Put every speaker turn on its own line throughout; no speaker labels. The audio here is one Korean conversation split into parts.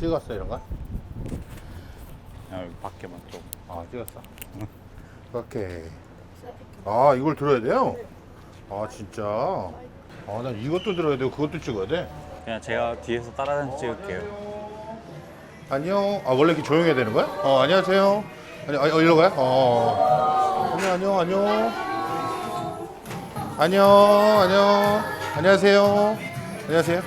찍었어 이런 거?
여기 밖에만 좀.
아 찍었어. 오케이. 아 이걸 들어야 돼요? 아 진짜. 아 난 이것도 들어야 되고 그것도 찍어야 돼.
그냥 제가 뒤에서 따라다니면서 찍을게요.
안녕. 아 원래 이렇게 조용해야 되는 거야? 안녕하세요. 일로 가요? 안녕. 안녕. 안녕하세요. 안녕하세요.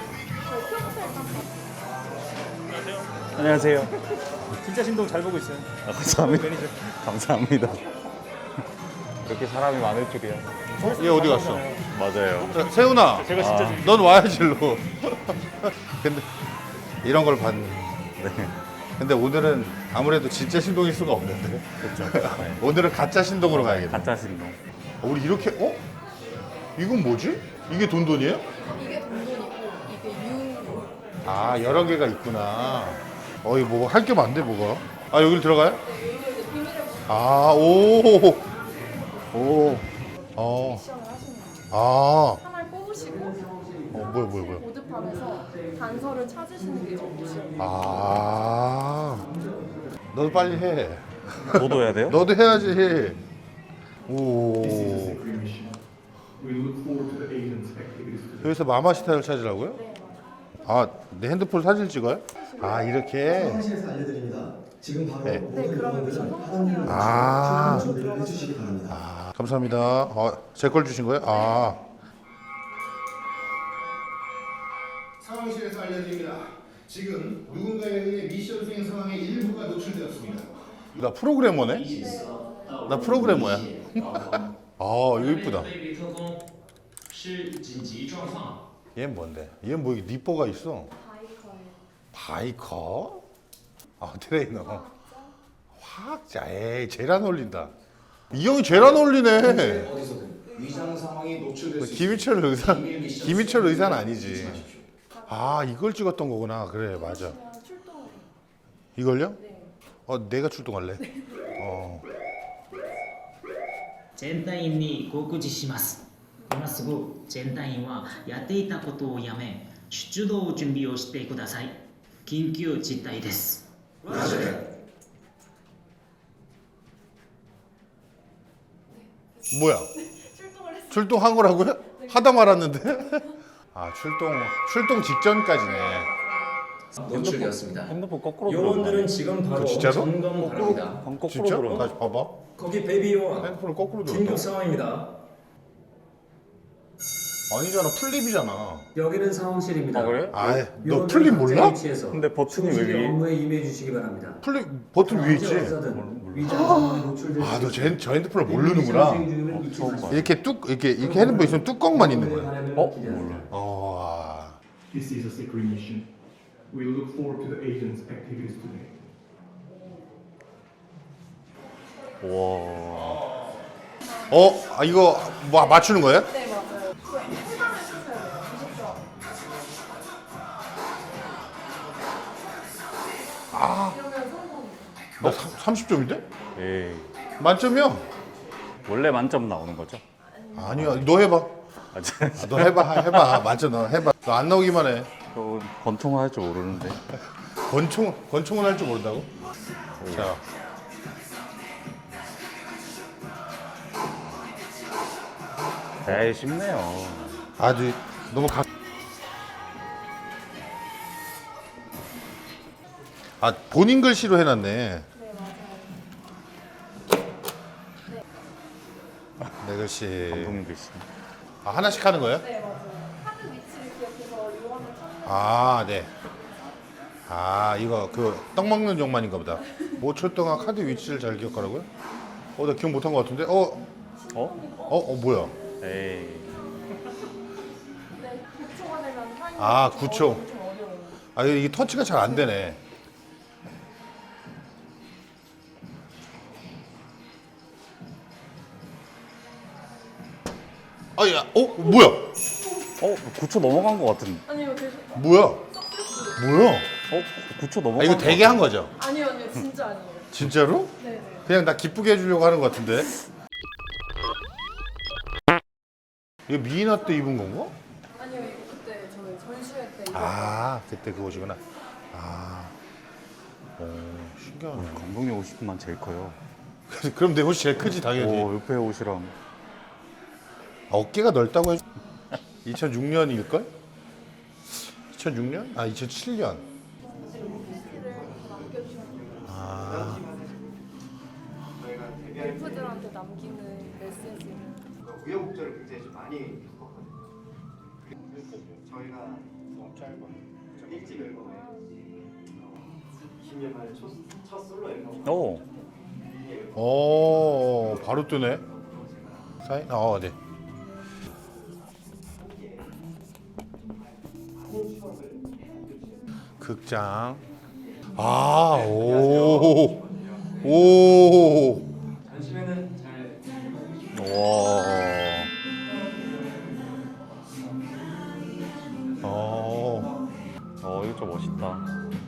안녕하세요.
진짜 신동 잘 보고 있어요.
아, 감사합니다. 감사합니다. 이렇게 사람이 많을 줄이야.
얘 어디 갔어?
맞아요.
세훈아.
제가 진짜 신
넌 와야지 일로. 근데 이런 걸 봤네.
네.
근데 오늘은 아무래도 진짜 신동일 수가 없는데.
그렇죠. 네.
오늘은 가짜 신동으로 가야겠네.
가짜 신동.
우리 이렇게 이건 뭐지? 이게 돈돈이에요?
이게 돈돈이고 이게 유흥.
아 여러 개가 있구나. 이거 뭐 할 게 많네 뭐가. 아 여기를 들어가요?
네, 여기서 이제 비밀을
아 오.
미션을 하시는 거예요. 하나를 뽑으시고
뭐야.
보드판에서 단서를 찾으시는 게 좀 미션.
너도 빨리 해.
너도 해야 돼요?
너도 해야지. 오. 여기서 마마시타를 찾으라고요? 내 핸드폰 사진 찍어요? 이렇게.
사무실에서 알려드립니다. 지금 바로
네.
모든
그러면 미션 성공이에요.
준비를 해주시기 바랍니다.
감사합니다. 제 걸 주신 거예요?
상황실에서 알려드립니다. 지금 누군가에 의해 미션 수행 상황의 일부가 노출되었습니다.
나 프로그래머네? 나 프로그래머야. 이거 이쁘다. 얘는 뭔데? 얘는 뭐 이게 니뽀가 있어? 바이커? 트레이너. 화학자. 에이, 제일 안 어울린다. 이 형이 제일 안 어울리네.
어디서든 위장 상황이 노출될 수
김희철 의사는 아니지. 이걸 찍었던 거구나. 그래, 맞아.
출동을.
이걸요? 내가 출동할래.
全隊員に告示します。今すぐ全隊員はやっていたことをやめ出動準備をしてください。緊急事態です。
뭐야?
출동을 했어요.
출동한 거라고요? 하다 말았는데? 출동 직전까지네.
노출되었습니다.
핸드폰 거꾸로
요원들은 지금 바로
진짜로?
점검 바랍니다.
거꾸로
진짜?
들어.
다시 봐봐.
거기 베이비 요원
핸드폰을 거꾸로
긴급
들었다.
상황입니다.
아니잖아, 플립이잖아.
여기는 상황실입니다.
아 그래?
너
요원들은
플립
각자
몰라?
위치에서
근데 버튼이 왜
충실히
위에?
업무에 임해 주시기 바랍니다.
플립 버튼 위에 있지?
어디서든 위장 상황이 노출될 수
너
있습니다.
저 핸드폰을 모르는구나.
미션 수행 중임을 잊지 마십시오.
이렇게 핸드폰 있으면 뚜껑만 있는 거야.
몰라.
This is a secret mission. We look forward to the agent's activities today.
와.
이거 뭐 맞추는 거예요?
네, 맞아요. 그 해당을 쓰셔야 돼요. 90점. 이러면 성공.
나 30점인데?
에이.
만점이야?
원래 만점 나오는 거죠?
아니야, 너 해봐. 너 해봐. 맞아, 너 해봐. 너 안 나오기만 해.
저 권총을 할 줄 모르는데.
권총은 할 줄 모른다고? 자.
에이 쉽네요.
아주 너무 본인 글씨로 해놨네. 내 글씨.
감독님 글씨.
하나씩 하는 거예요?
네, 맞아요. 카드 위치를 기억해서 요원을 찾는.
네. 이거 떡 먹는 용만인가 보다. 5초 동안 카드 위치를 잘 기억하라고요? 나 기억 못한 것 같은데? 뭐야?
에이.
네, 9초가 되면 타이머.
9초.
좀 어려워요.
이게 터치가 잘 안 되네. 뭐야?
9초 넘어간 것 같은.
아니요, 계속.
뭐야? 뭐야?
9초 넘어간
이거
것
되게 한 거죠?
아니요, 진짜 아니에요.
진짜로?
네.
그냥 나 기쁘게 해주려고 하는 것 같은데. 이거 미이나 때 입은 건가?
아니요, 이거 그때 저희 전시회 때 입었어요.
그때 그거시구나. 신기하네.
감독님 옷만 제일 커요.
그럼 내 옷이 제일 크지 당연히.
오, 옆에 옷이랑.
어깨가 넓다고 해. 2006년일걸? 2006년? 아 2007년. 아
골프들한테 남기는 메시지를.
우여곡절을 굉장히 좀 많이 겪었거든요. 저희가 너무 짧아. 일집 앨범에 20년 만에 첫 솔로 앨범.
오.
바로 뜨네. 사인? 네. 극장. 오.
전심에는 잘
와. 이거 좀 멋있다.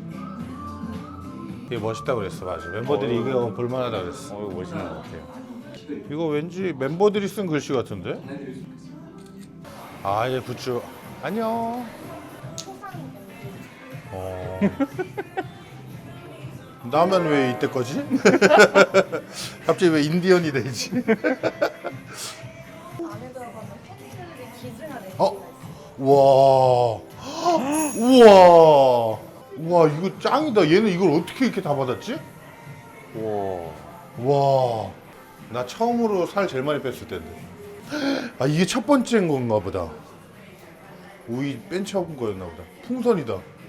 이게 멋있다고 그랬어, 맞아. 멤버들이 이거 볼만하다 그랬어.
이거 멋있는 것 같아요.
이거 왠지 멤버들이 쓴 글씨 같은데? 아, 얘 굿즈. 안녕. 나만 왜 이때 거지? 갑자기 왜 인디언이 되지?
안에 들어가면 팬들이 기증한 애기.
와. 우와. 우와, 이거 짱이다. 얘는 이걸 어떻게 이렇게 다 받았지?
와.
와. 나 처음으로 살 제일 많이 뺐을 텐데. 아, 이게 첫 번째인 건가 보다. 우이 뺀 처음 거였나 보다. 풍선이다.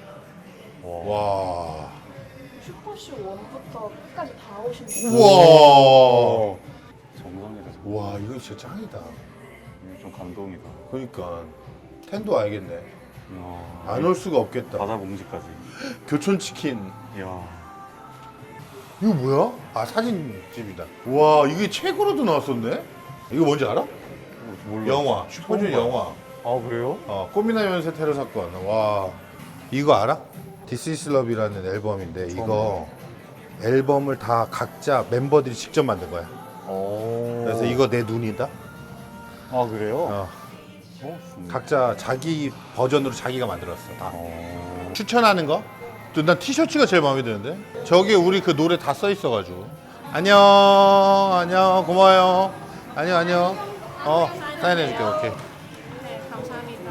와.
슈퍼쇼 1부터 끝까지 다 오신 분.
우와.
정상이다.
와, 이거 진짜 짱이다.
이거 좀 감동이다.
그러니까 텐도 알겠네.
이야.
안 올 수가 없겠다.
바다 봉지까지.
교촌 치킨.
이야.
이거 뭐야? 아, 사진집이다. 와, 이게 책으로도 나왔었네? 이거 뭔지 알아?
몰라.
영화. 슈퍼주니어
처음
영화.
아, 그래요?
꽃미나 연쇄 테러 사건. 와. 이거 알아? This is Love이라는 앨범인데 이거 앨범을 다 각자 멤버들이 직접 만든 거야. 그래서 이거 내 눈이다.
아, 그래요?
어. 각자 자기 버전으로 자기가 만들었어. 다. 추천하는 거? 난 티셔츠가 제일 마음에 드는데. 저기 우리 그 노래 다 써 있어가지고. 안녕, 안녕, 고마워요. 안녕. 사인해줄게. 오케이.
네, 감사합니다.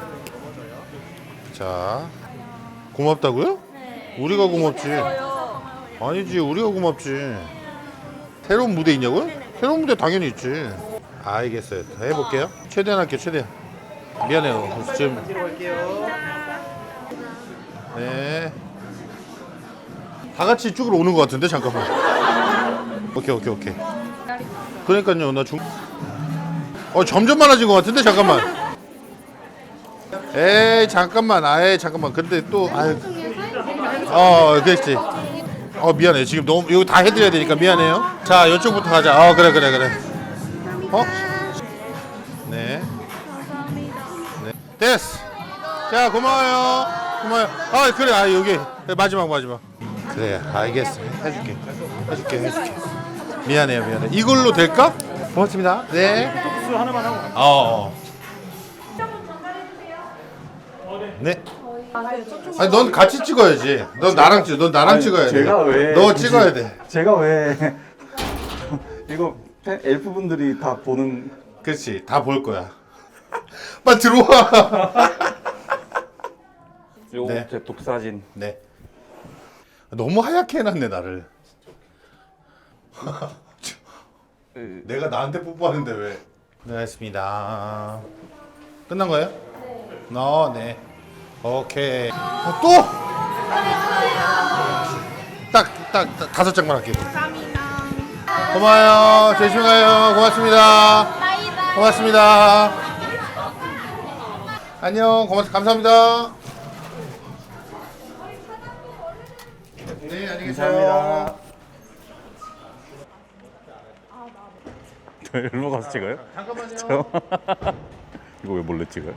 자, 고맙다고요?
네.
우리가 고맙지. 아니지, 우리가 고맙지. 새로운 무대 있냐고요? 새로운 무대 당연히 있지. 알겠어요. 해볼게요. 최대한 할게요, 최대한. 미안해요. 지금. 네. 다 같이 이쪽으로 오는 것 같은데, 잠깐만. 오케이. 그러니까요, 나 점점 많아진 것 같은데, 잠깐만. 에이, 잠깐만. 잠깐만. 근데 또, 그랬지. 미안해. 지금 너무, 이거 다 해드려야 되니까 미안해요. 자, 이쪽부터 가자. 그래. 네. 됐어. 자, 고마워요. 그래. 여기. 마지막. 그래, 알겠어. 해줄게. 미안해. 이걸로 될까? 고맙습니다. 네.
수 하나만 하고.
네. 아니, 넌 같이 찍어야지. 넌 나랑 찍어야 돼.
제가 왜?
너 찍어야 돼.
제가 왜? 이거 엘프분들이 다 보는.
그렇지. 다 볼 거야. 빨리 들어와.
요거
네.
제 독사진.
네. 너무 하얗게 해놨네 나를. 내가 나한테 뽀뽀하는데 왜? 네, 했습니다. 끝난 거예요? 네. 오케이. 또? 딱 5장만 할게요. 고마워요. 조심히 가요. 고맙습니다. 안녕. 감사합니다. 네, 안녕히 계세요.
일로 가서 찍어요?
잠깐만요.
이거 왜 몰래 찍어요?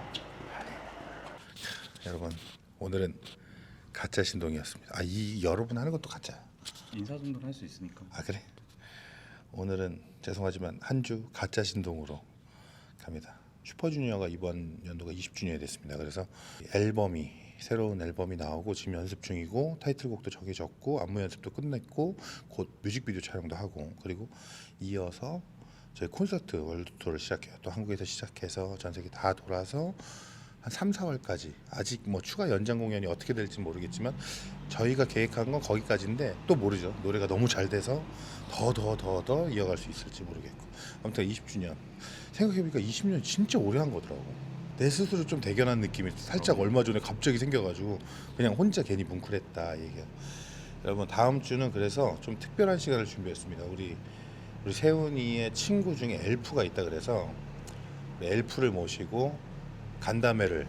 여러분, 오늘은 가짜 신동이었습니다. 이 여러분 하는 것도 가짜야.
인사 정도는 할 수 있으니까.
그래? 오늘은 죄송하지만 한 주 가짜 신동으로 갑니다. 슈퍼주니어가 이번 연도가 20주년이 됐습니다. 그래서 앨범이 새로운 앨범이 나오고 지금 연습 중이고 타이틀곡도 정해졌고 안무 연습도 끝냈고 곧 뮤직비디오 촬영도 하고 그리고 이어서 저희 콘서트 월드 투어를 시작해요. 또 한국에서 시작해서 전 세계 다 돌아서 한 3, 4월까지 아직 뭐 추가 연장 공연이 어떻게 될지 모르겠지만 저희가 계획한 건 거기까지인데 또 모르죠. 노래가 너무 잘 돼서 더 이어갈 수 있을지 모르겠고 아무튼 20주년 생각해보니까 20년 진짜 오래 한 거더라고. 내 스스로 좀 대견한 느낌이 살짝 얼마 전에 갑자기 생겨가지고 그냥 혼자 괜히 뭉클했다 얘기야. 여러분 다음 주는 그래서 좀 특별한 시간을 준비했습니다. 우리 세훈이의 친구 중에 엘프가 있다 그래서 엘프를 모시고 간담회라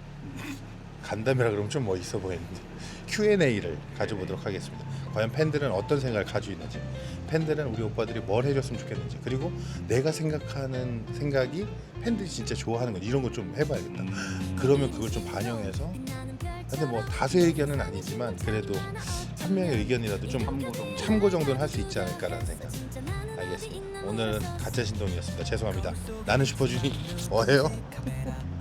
그러면 좀 멋있어 보이는데 Q&A를 가져보도록 하겠습니다. 과연 팬들은 어떤 생각을 가지고 있는지, 팬들은 우리 오빠들이 뭘 해줬으면 좋겠는지, 그리고 내가 생각하는 생각이 팬들이 진짜 좋아하는 건 이런 거 좀 해봐야겠다. 그러면 그걸 좀 반영해서 근데 뭐 다수의 의견은 아니지만 그래도 한 명의 의견이라도 좀 참고 정도는 할 수 있지 않을까라는 생각. 알겠습니다. 오늘은 가짜 신동이었습니다. 죄송합니다. 나는 슈퍼주니 뭐예요?